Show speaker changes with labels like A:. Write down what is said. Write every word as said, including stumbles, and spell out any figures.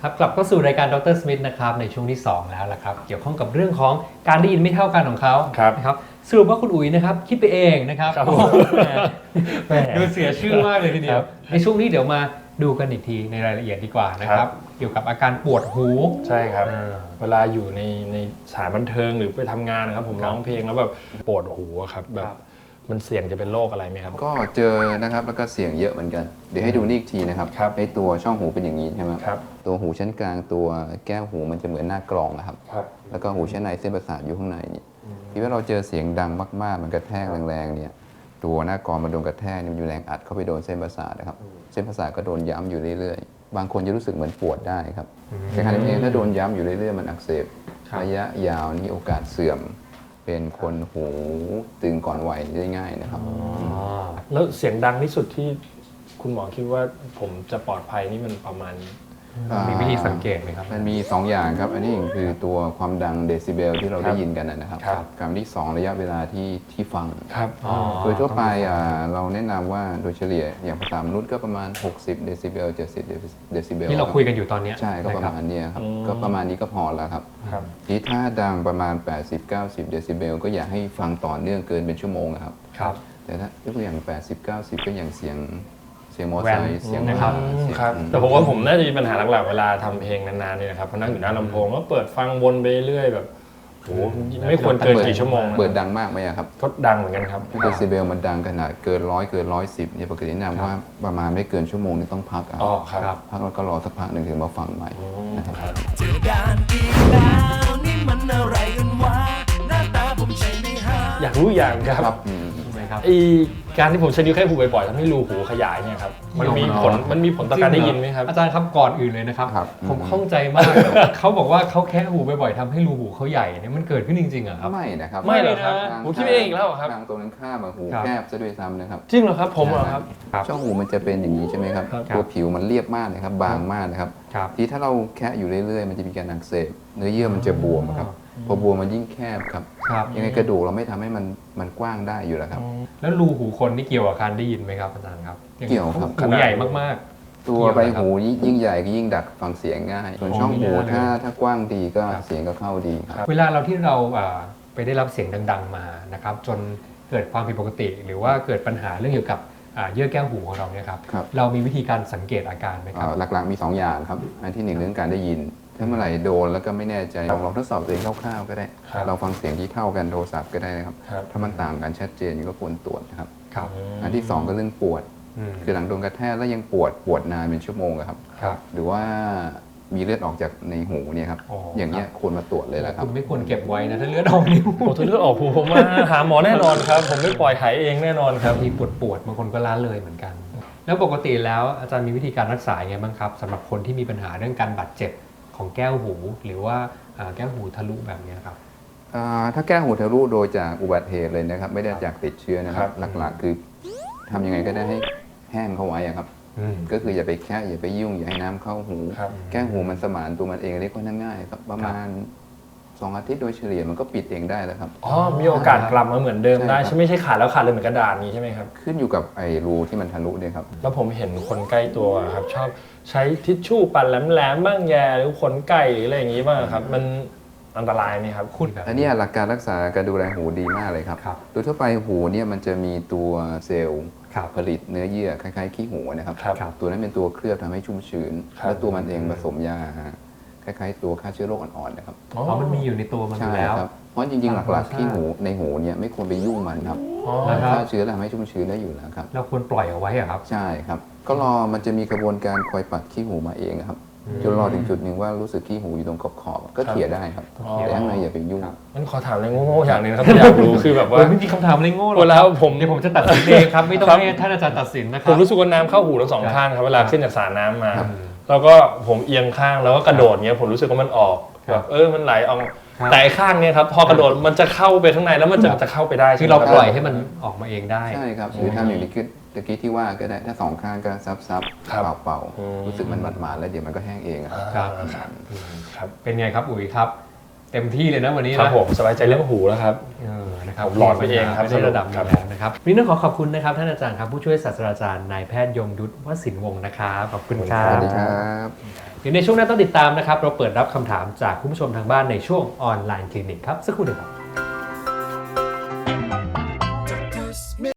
A: ครับกลับเข้าสู่รายการดรสมิธนะครับในช่วงที่สองแล้วล่ะครับเกี่ยวข้องกับเรื่องของการได้ยินไม่เท่ากันของเขานะครับสรุปว่าคุณอุ๋ยนะครับคิดไปเองนะครับดูเสียชื่อมากเลยทีเดียวในช่วงนี้เดี๋ยวมาดูกันอีกทีในรายละเอียดดีกว่านะครับเกี่ยวกับอาการปวดหู
B: ใช่ครับเวลาอยู่ในในสถานบันเทิงหรือไปทำงานนะครับผมร้องเพลงแล้วแบบปวดหูครับแบบมันเสี่ยงจะเป็นโรคอะไรไหมครับ
C: ก็เจอนะครับแล้วก็เสี่ยงเยอะเหมือนกันเดี๋ยวให้ดูนี่อีกทีนะครับไอ้ตัวช่องหูเป็นอย่างนี้ใช่ไหมครับตัวหูชั้นกลางตัวแก้วหูมันจะเหมือนหน้ากรองนะครับแล้วก็หูชั้นในเส้นประสาทอยู่ข้างในนี่ที่ว่าเราเจอเสียงดังมากๆมันกระแทกแรงๆเนี่ยตัวหน้ากรองมันโดนกระแทกมันมีแรงอัดเข้าไปโดนเส้นประสาทนะครับเส้นประสาทก็โดนย้ำอยู่เรื่อยๆบางคนจะรู้สึกเหมือนปวดได้ครับแต่ขณะนี้ถ้าโดนย้ำอยู่เรื่อยๆมันอักเสบระยะยาวนี่โอกาสเสื่อมเป็นคนหูตึงก่อนวัยได้ง่ายนะครับ
B: แล้วเสียงดังที่สุดที่คุณหมอคิดว่าผมจะปลอดภัยนี่มันประมาณ
A: มีวิธีสังเกตไหมครับ
C: มันมีสองอย่างครับอันนี้คือตัวความดังเดซิเบลที่เราได้ยินกันนะครับกับที่สองระยะเวลาที่ที่ฟังโดยทั่วไปเราแนะนำว่าโดยเฉลี่ยอย่างภาษามนุษย์ก็ประมาณหกสิบเดซิเบลเจ็ดสิบเดซิเบล
A: ที่เราคุยกันอยู่ตอนนี้
C: ใช่ก็ประมาณนี้ครับก็ประมาณนี้ก็พอแล้วครับที่ถ้าดังประมาณ แปดสิบ เก้าสิบ เดซิเบลก็อยากให้ฟังต่อเนื่องเกินเป็นชั่วโมงครับแต่ถ้ายกตัวอย่าง แปดสิบ เก้าสิบ ก็อย่างเสียงเสียงมอเตอร์ไซค์เสียง
A: นะครับ
B: แต่ผมว่าผมน่าจะมีปัญหาหลักๆเวลาทำเพลงนานๆเนี่ยนะครับพอนั่งอยู่หน้าลำโพงก็เปิดฟังวนไปเรื่อยแบบโอ้ไม่ควรเกินกี่ชั่วโมง
C: เปิดดังมากไหมครับ
B: ก็ดังเหมือนกันครับ
C: เดซิเบลมันดังขนาดเกินร้อยเกินร้อยสิบเนี่ยปกติแนะนำว่าประมาณไม่เกินชั่วโมงนี่ต้องพัก
B: อ๋อครับ
C: พักแล้วก็รอสักพักหนึ่งถึงมาฟังใหม่นะครับ
D: เจอด่านอีกแล้วนี่มันอะไรกันวะหน้าตาผมใช่ไหมฮะ
B: อยากรู้อย่างครับไอการที่ผมใช้นิ้วแค่หูบ่อยๆทำให้รูหูขยายเนี่ยครับมันมีผลมันมีผลต่อการได้ยินไหมครับ
A: อาจารย์ครับก่อนอื่นเลยนะครับผมข้องใจมากเขาบอกว่าเขาแค่หูบ่อยๆทำให้รูหูเขาใหญ่เนี่ยมันเกิดขึ้นจริงๆเหรอครับ
C: ไม่นะครับ
B: ไม่เลยครับผมคิดเองอีกแล้วครับ
C: ทางตรงนั้นข้ามหูแคบซะด้วยซ้ำนะครับ
B: จริงเหรอครับผมเหรอครับ
C: ช่องหูมันจะเป็นอย่างนี้ใช่ไหมครับตัวผิวมันเรียบมากนะครับบางมากนะครับที่ถ้าเราแค่อยู่เรื่อยๆมันจะมีการอักเสบเนื้อเยื่อมันจะบวมครับพอบวมมันยิ่งแคบครับยังไงกระดูกเราไม่ทำให้มันมันกว้างได้อยู่แล้วครับ
A: แล้วรูหูคนนี่เกี่ยวกับการได้ยินไหมครับอาจารย์ครับ
C: เกี่ยวครับ
A: หูใหญ่มาก
C: ๆตัวใบหูยิ่งใหญ่ก็ยิ่งดักฟังเสียงง่ายส่วนช่องหูถ้าถ้ากว้างดีก็เสียงก็เข้าดีครับ
A: เวลาเราที่เราไปได้รับเสียงดังๆมานะครับจนเกิดความผิดปกติหรือว่าเกิดปัญหาเรื่องเกี่ยวกับเยื่อแก้วหูของเราเนี่ยครับเรามีวิธีการสังเกตอาการไหมครับ
C: หลักๆมีสองอย่างครับอันที่หนึ่งเรื่องการได้ยินถ้าเมื่อไหร่โดนแล้วก็ไม่แน่ใจลองลองทดสอบตัวเองคร่าวๆก็ได้เราฟังเสียงที่เท่ากันโทรศัพท์ก็ได้นะครับถ้ามันต่างกันชัดเจนก็ควรตรวจนะครับอันที่สองก็เรื่องปวดคือหลังโดนกระแทกแล้วยังปวดปวดนานเป็นชั่วโมงครับหรือว่ามีเลือดออกจากในหูเนี่ยครับอย่างเงี้ยควรมาตรวจเลยแหละครับ
A: คุณไม่ควรเก็บไว้นะถ้าเลือดออกนิ้ว
B: ถ้าเลือดออกหูผมมาหาหมอแน่นอนครับผมไม่ปล่อยหายเองแน่นอนครับ
A: มีปวดปวดบางคนก็ล้าเลยเหมือนกันแล้วปกติแล้วอาจารย์มีวิธีการรักษาไงบ้างครับสำหรับคนที่มีปัญหาเรื่องการบาดเจ็บของแก้วหูหรือว่าแก้วหูทะลุแบบนี้ครับ
C: ถ้าแก้วหูทะลุโดยจากอุบัติเหตุเลยนะครับไม่ได้จากติดเชื้อนะครับหลักๆคือทำยังไงก็ได้ให้แห้งเข้าไว้ครับก็คืออย่าไปแค่อย่าไปยุ่งอย่าให้น้ำเข้าหูแก้วหูมันสมานตัวมันเองเล็กก็ง่ายครับประมาณสองอาทิตย์โดยเฉลี่ยมันก็ปิดเองได้แล้วครับ
B: อ๋อมีโอกาสกลับมาเหมือนเดิมได้ใช่ไม่ใช่ขาดแล้วขาดเลยเหมือนกระดาษนี้ใช่ไหมครับ
C: ขึ้นอยู่กับไอ้รูที่มันทะลุเนี่ยครับ
B: แล้วผมเห็นคนใกล้ตัวครับชอบใช้ทิชชู่ปั่นแหลมๆบ้างแย่หรือขนไก่หรืออะไรอย่างนี้บ้างครับมันอันตรายไหมครับ
C: คุณอันนี้หลักการรักษาการดูแลหูดีมากเลยครับโดยทั่วไปหูเนี่ยมันจะมีตัวเซลล์ผลิตเนื้อเยื่อคล้ายๆขี้หูนะครับตัวนั้นเป็นตัวเคลือบทำให้ชุ่มชื้นแล้วตัวมันเองผสมยาคล้ายๆตัวฆ่าเชื้อโรคอ่อนๆนะครับ
A: เพราะมันมีอยู่ในตัวมันอยู่แล้ว
C: เพราะจริงๆหลักๆขี้หูในหูเนี่ยไม่ควรไปยุ่งมันครับฆ่าเชื้อทำให้ชุ่มชื้นได้อยู่แล้วครับ
A: เราควรปล่อยเอาไว้อะครับ
C: ใช่ครับก็รอมันจะมีกระบวนการคอยปัดขี้หูมาเองครับจนรอถึงจุดหนึ่งว่ารู้สึกขี้หูอยู่ตรงขอบๆก็เขี่ยได้ครับแต่ข้างในอย่าไปยุ่ง
B: มันขอถามอะไรโง่ๆอย่างนึงครับอยากรู้คือแบบว่า
A: ไม่มีคำถามอะไรโง่หรอก
B: แล้วผม
A: เดี๋ยวผมจะตัดสินเองครับไม่ต้องให้ท่านอาจารย์ตัดสินนะครับ
B: ผมรู้สึกว่าน้ำเข้าหูทั้งสองข้างครับเวลาขึ้นจากสระน้ำมาแล้วก็ผมเอียงข้างแล้วก็กระโดดเงี้ยผมรู้สึกว่ามันออกแบบเออมันไหลออกแต่ข้างเนี้ยครับพอกระโดดมันจะเข้าไปข้างในแล้วมันจะจะเข้าไปได้
A: คือเราปล่อยให้มันออกมาเองได้
C: ใช่ครับหรือทำอย่างที่ตะกี้ที่ว่าก็ได้ถ้าสองข้างก็ซับซับเป่าเป่ารู้สึกมันหมาดๆแล้วเดี๋ยวมันก็แห้งเอง
A: ครับครับเป็นไงครับอุ๋ยครับเต็มที่เลยนะวันนี้
B: นะครับผมสบายใจเรื่องหูแล้วครับ
A: เออนะครับ
B: หลอดไปเองครับ
A: ในระดับนี้แล้วนะครับวันนี้ต้องขอขอบคุณนะครับท่านอาจารย์ครับผู้ช่วยศาสตราจารย์นายแพทย์ยงยุทธวสินวงศ์นะครับขอบคุณครับ
C: สวัสดีครับ
A: เดี๋ยวในช่วงหน้าต้องติดตามนะครับเราเปิดรับคำถามจากคุณผู้ชมทางบ้านในช่วงออนไลน์คลินิกครับสักครู่เดียวครับ